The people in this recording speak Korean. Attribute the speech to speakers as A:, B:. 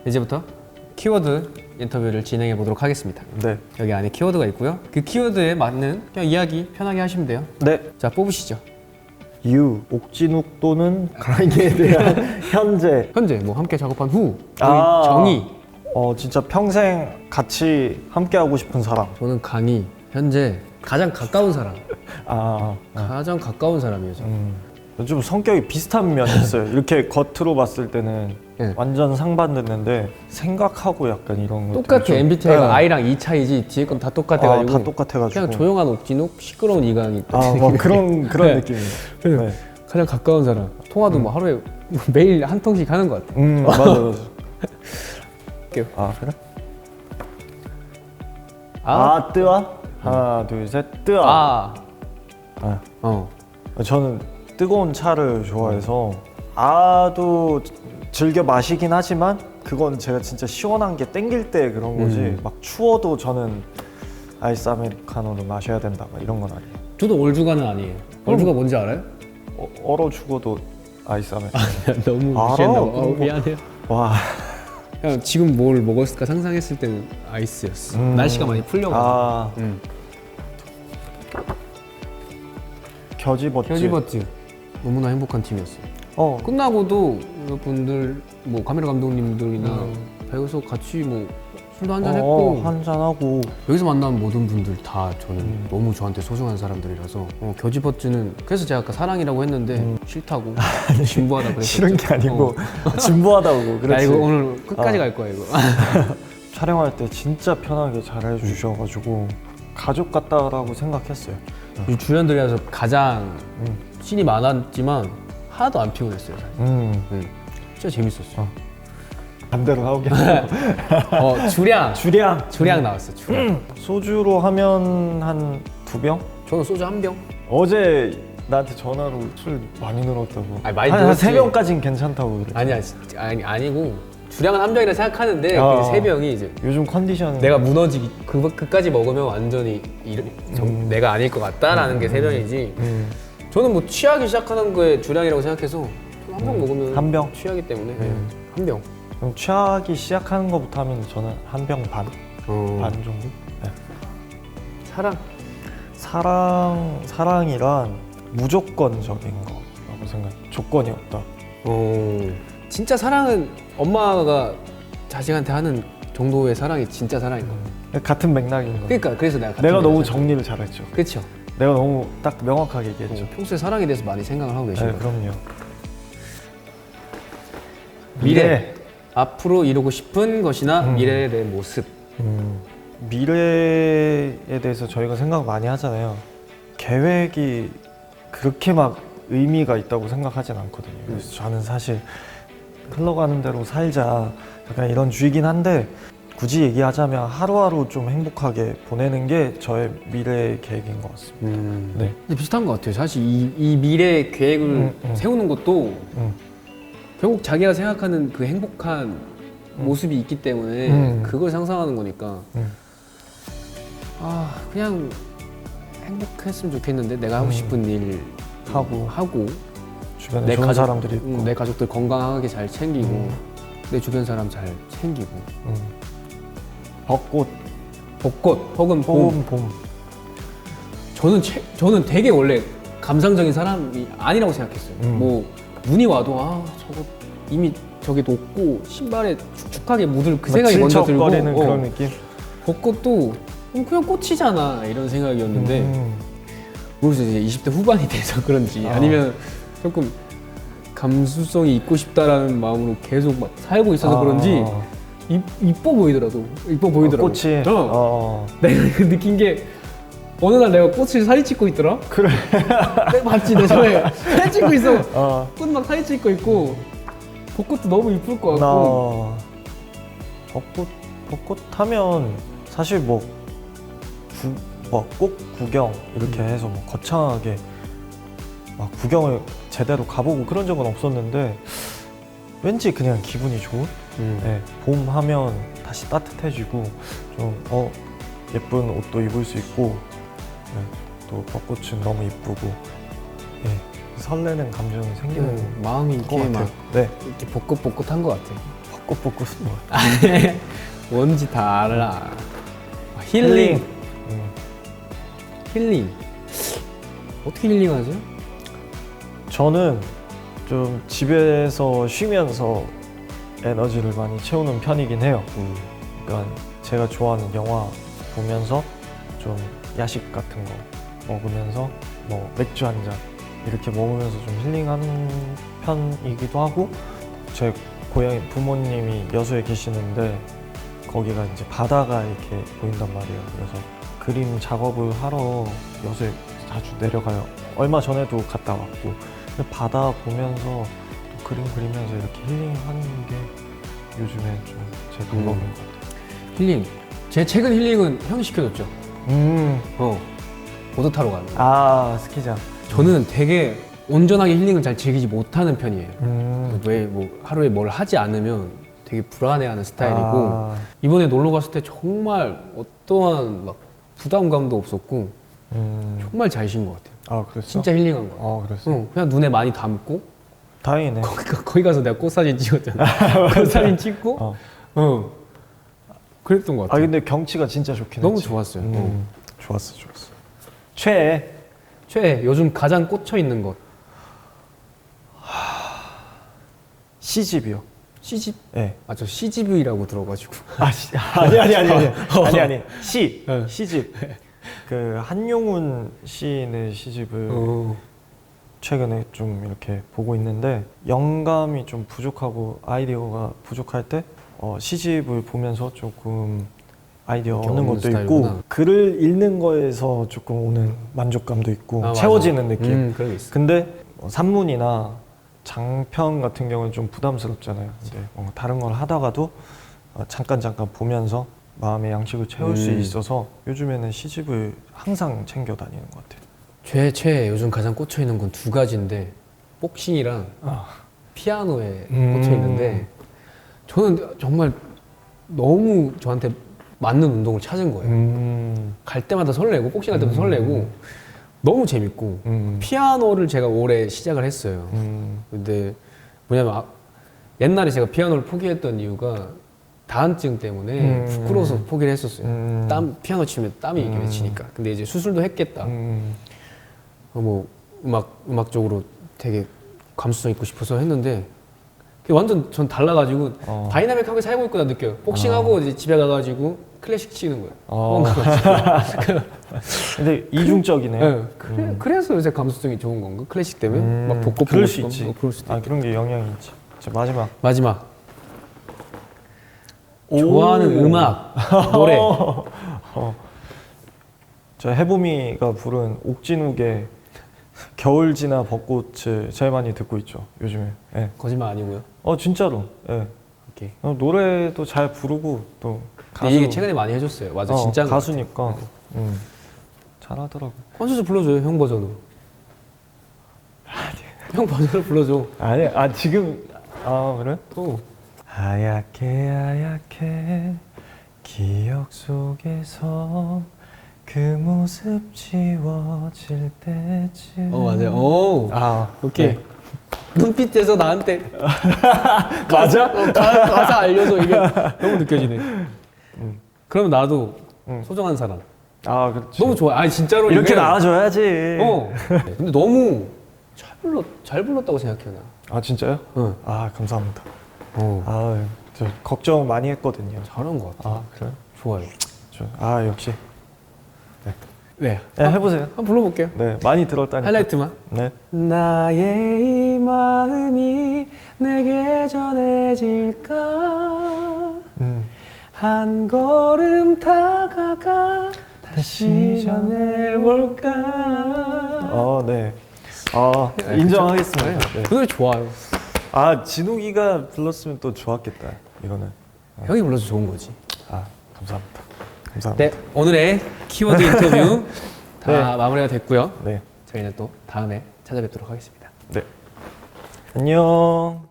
A: 이제부터 키워드 인터뷰를 진행해 보도록 하겠습니다.
B: 네.
A: 여기 안에 키워드가 있고요. 그 키워드에 맞는 그냥 이야기 편하게 하시면 돼요.
B: 네.
A: 자, 뽑으시죠.
B: 옥진욱 또는 강희에 대한 현재.
A: 현재 뭐 함께 작업한 후,
B: 아.
A: 정의.
B: 진짜 평생 같이 함께 하고 싶은 사람.
A: 저는 강의. 현재 가장 가까운 사람.
B: 아.
A: 가장 가까운 사람이에요. 저는.
B: 좀 성격이 비슷한 면이 있어요. 이렇게 겉으로 봤을 때는
A: 네.
B: 완전 상반됐는데 생각하고 약간 이런 거
A: 똑같아. MBTI가
B: 네.
A: I랑 E 차이지 뒤에 건 다 똑같아가지고.
B: 다 똑같아가지고
A: 그냥 조용한 옥진욱, 시끄러운 이강이.
B: 뭐 그런
A: 네.
B: 느낌이에요.
A: 그래서
B: 네.
A: 가장 가까운 사람. 통화도 뭐 하루에 매일 한 통씩 하는 것 같아.
B: 맞아.
A: 할게요.
B: 그래? 뜨아? 하나, 둘, 셋, 뜨아. 저는 뜨거운 차를 좋아해서 아도 즐겨 마시긴 하지만 그건 제가 진짜 시원한 게 땡길 때 그런 거지 막 추워도 저는 아이스 아메리카노를 마셔야 된다 막 이런 건 아니에요.
A: 저도 얼죽아는 아니에요. 얼죽아 뭔지 알아요?
B: 얼어 죽어도 아이스 아메리카노.
A: 너무
B: 알아.
A: 무시했나 봐. 미안해요.
B: 와.
A: 그냥 지금 뭘 먹었을까 상상했을 때는 아이스였어. 날씨가 많이 풀려가지고.
B: 겨지버츠.
A: 너무나 행복한 팀이었어요.
B: 어.
A: 끝나고도 여러분들 뭐 카메라 감독님들이나 배우서 같이 뭐 술도 한잔 했고
B: 한잔하고
A: 여기서 만난 모든 분들 다 저는 너무 저한테 소중한 사람들이라서 겨지버츠는 그래서 제가 아까 사랑이라고 했는데 싫다고 진부하다 그랬었죠.
B: 싫은 게 아니고 진부하다고. 그렇지.
A: 나 이거 오늘 끝까지 갈 거야 이거.
B: 촬영할 때 진짜 편하게 잘 해주셔가지고 가족 같다라고 생각했어요.
A: 이 주연들이라서 가장 씬이 많았지만 하나도 안 피곤했어요. 사실. 진짜 재밌었어.
B: 반대로 나오게.
A: 주량 나왔어. 주량.
B: 소주로 하면 한 2병?
A: 저는 소주 1병.
B: 어제 나한테 전화로 술 많이 늘었다고.
A: 아니, 많이
B: 한
A: 늘었지.
B: 3병까지는 괜찮다고 그래.
A: 아니야, 아니고 주량은 1병이라 생각하는데 그 3병이 이제
B: 요즘 컨디션
A: 내가 무너지기 그까지 먹으면 완전히 내가 아닐 것 같다라는 게 3병이지. 저는 뭐 취하기 시작하는 거에 주량이라고 생각해서 한 병 먹으면
B: 한 병?
A: 취하기 때문에 한 병.
B: 그럼 취하기 시작하는 것부터 하면 저는 1병 반? 반 정도? 네. 사랑이란 무조건적인 거라고 생각해요. 조건이 없다.
A: 진짜 사랑은 엄마가 자식한테 하는 정도의 사랑이 진짜 사랑인 거야.
B: 같은 맥락인 거.
A: 그러니까 그래서 내가
B: 너무 정리를 잘했죠.
A: 그렇죠.
B: 내가 너무 딱 명확하게 얘기했죠.
A: 평소에 사랑에 대해서 많이 생각을 하고 계신 거예요.
B: 그럼요.
A: 미래. 앞으로 이루고 싶은 것이나 미래의 내 모습.
B: 미래에 대해서 저희가 생각 많이 하잖아요. 계획이 그렇게 막 의미가 있다고 생각하진 않거든요. 그래서 저는 사실 흘러가는 대로 살자 약간 이런 주의긴 한데 굳이 얘기하자면 하루하루 좀 행복하게 보내는 게 저의 미래 계획인 것 같습니다. 네.
A: 근데 비슷한 것 같아요. 사실 이 미래 계획을 세우는 것도 결국 자기가 생각하는 그 행복한 모습이 있기 때문에 그걸 상상하는 거니까 그냥 행복했으면 좋겠는데 내가 하고 싶은 일 하고
B: 주변에 좋은 사람들이 있고
A: 내 가족들 건강하게 잘 챙기고 내 주변 사람 잘 챙기고 벚꽃 혹은 봄. 저는 되게 원래 감상적인 사람이 아니라고 생각했어요. 뭐 눈이 와도 저거 이미 저게 녹고 신발에 축축하게 묻을 그 생각이 먼저 들고
B: 그런 느낌?
A: 벚꽃도 그냥 꽃이잖아 이런 생각이었는데 모르겠어요. 이제 20대 후반이 돼서 그런지 아니면 조금 감수성이 있고 싶다라는 마음으로 계속 막 살고 있어서 그런지 이뻐 보이더라고.
B: 꽃이?
A: 내가 느낀 게 어느 날 내가 꽃을 사진 찍고 있더라.
B: 그래.
A: 내가 봤지, 내 전에 사진 찍고 있어. 꽃 막 사진 찍고 있고 벚꽃도 너무 이쁠 것 같고.
B: 벚꽃 하면 사실 꽃 구경 이렇게 해서 뭐 거창하게 막 구경을 제대로 가보고 그런 적은 없었는데 왠지 그냥 기분이 좋은? 네, 봄 하면 다시 따뜻해지고 좀 예쁜 옷도 입을 수 있고 또 벚꽃은 너무 이쁘고 설레는 감정이 생기는
A: 마음이
B: 것
A: 이렇게
B: 같아요.
A: 막 이렇게 벚꽃한 것 같아.
B: 꽃볶이 뭐.
A: 뭔지 다 알아. 힐링. 힐링. 어떻게 힐링하세요?
B: 저는 좀 집에서 쉬면서 에너지를 많이 채우는 편이긴 해요. 그러니까 제가 좋아하는 영화 보면서 좀 야식 같은 거 먹으면서 뭐 맥주 한 잔 이렇게 먹으면서 좀 힐링하는 편이기도 하고, 제 고향 부모님이 여수에 계시는데 거기가 이제 바다가 이렇게 보인단 말이에요. 그래서 그림 작업을 하러 여수에 자주 내려가요. 얼마 전에도 갔다 왔고, 근데 바다 보면서 또 그림 그리면서 이렇게 힐링하는 게 요즘에 좀 제 방법인 것 같아요.
A: 힐링. 제 최근 힐링은 형이 시켜줬죠. 보드 타러 가는 거.
B: 아, 스키장.
A: 저는 되게 온전하게 힐링을 잘 즐기지 못하는 편이에요. 왜 뭐 하루에 뭘 하지 않으면 되게 불안해하는 스타일이고, 이번에 놀러 갔을 때 정말 어떠한 막 부담감도 없었고 정말 잘 쉰 것 같아요.
B: 아, 그랬어?
A: 진짜 힐링한 거 같아요.
B: 그랬어?
A: 그냥 눈에 많이 담고
B: 다행이네.
A: 거기 가서 내가 꽃사진 찍었잖아. 꽃사진 찍고 그랬던 것
B: 아,
A: 같아요.
B: 근데 경치가 진짜 좋긴
A: 너무
B: 했지.
A: 좋았어요.
B: 좋았어. 최애.
A: 최애 요즘 가장 꽂혀 있는 것.
B: C집이요.
A: C집?
B: 네.
A: 아, 저 CGV라고 들어가지고.
B: 아니.
A: 네.
B: C집. 그 한용운 시인의 시집을 최근에 좀 이렇게 보고 있는데, 영감이 좀 부족하고 아이디어가 부족할 때 시집을 보면서 조금 아이디어 얻는 것도
A: 스타일이구나.
B: 있고, 글을 읽는 거에서 조금 오는 만족감도 있고 채워지는 느낌.
A: 그런 게 있어.
B: 근데 산문이나 장편 같은 경우는 좀 부담스럽잖아요. 근데 다른 걸 하다가도 잠깐 보면서 마음의 양식을 채울 수 있어서 요즘에는 시집을 항상 챙겨 다니는 것 같아요.
A: 최애 요즘 가장 꽂혀 있는 건 두 가지인데, 복싱이랑 피아노에 꽂혀 있는데, 저는 정말 너무 저한테 맞는 운동을 찾은 거예요. 갈 때마다 설레고, 복싱 할 때도 설레고, 너무 재밌고, 피아노를 제가 올해 시작을 했어요. 근데 뭐냐면 옛날에 제가 피아노를 포기했던 이유가 다한증 때문에 부끄러워서 포기를 했었어요. 피아노 치면 땀이 이렇게 맺히니까. 근데 이제 수술도 했겠다. 뭐 음악적으로 되게 감수성 있고 싶어서 했는데, 그게 완전 전 달라가지고 다이나믹하게 살고 있구나 느껴요. 복싱하고 이제 집에 가가지고 클래식 치는 거예요.
B: 근데 이중적이네요.
A: 네. 그래서 요새 감수성이 좋은 건가? 클래식 때문에? 막 벚꽃
B: 그럴
A: 보고
B: 수
A: 싶고
B: 있지.
A: 그럴 수도 있고.
B: 그런 게 영향이 있지. 자,
A: 마지막. 좋아하는 음악, 노래.
B: 저 해보미가 부른 옥진욱의 겨울 지나 벚꽃을 제일 많이 듣고 있죠, 요즘에. 네.
A: 거짓말 아니고요.
B: 진짜로. 네.
A: 오케이.
B: 노래도 잘 부르고 또
A: 가수. 이게 최근에 많이 해줬어요. 맞아, 진짜
B: 가수니까 잘하더라고.
A: 콘서트 불러줘요, 형 버전으로. 형 버전으로 불러줘.
B: 아니, 지금 그래?
A: 또.
B: 하얗게 기억 속에서 그 모습 지워질 때쯤.
A: 맞아요. 오. 오케이.
B: 네.
A: 눈빛에서 나한테
B: 맞아?
A: 가사 알려서 이게 너무 느껴지네. 그럼 나도 소중한 사람.
B: 그렇지.
A: 너무 좋아. 아니 진짜로
B: 이렇게
A: 이게,
B: 나와줘야지.
A: 근데 너무 잘 불렀다고 생각해요 나.
B: 진짜요?
A: 응.
B: 감사합니다.
A: 어.
B: 저 걱정 많이 했거든요.
A: 잘한 것 같아.
B: 그래?
A: 좋아요.
B: 역시.
A: 네.
B: 해보세요.
A: 한번 불러볼게요.
B: 네, 많이 들었다니까.
A: 하이라이트만.
B: 네.
A: 나의 이 마음이 내게 전해질까. 한 걸음 다가가 다시 전해볼까.
B: 네. 인정하겠습니다. 네.
A: 그 노래 좋아요.
B: 진욱이가 불렀으면 또 좋았겠다. 이거는.
A: 형이 불러서 좋은 거지.
B: 감사합니다.
A: 네, 오늘의 키워드 인터뷰 다
B: 네.
A: 마무리가 됐고요.
B: 네.
A: 저희는 또 다음에 찾아뵙도록 하겠습니다.
B: 네. 안녕.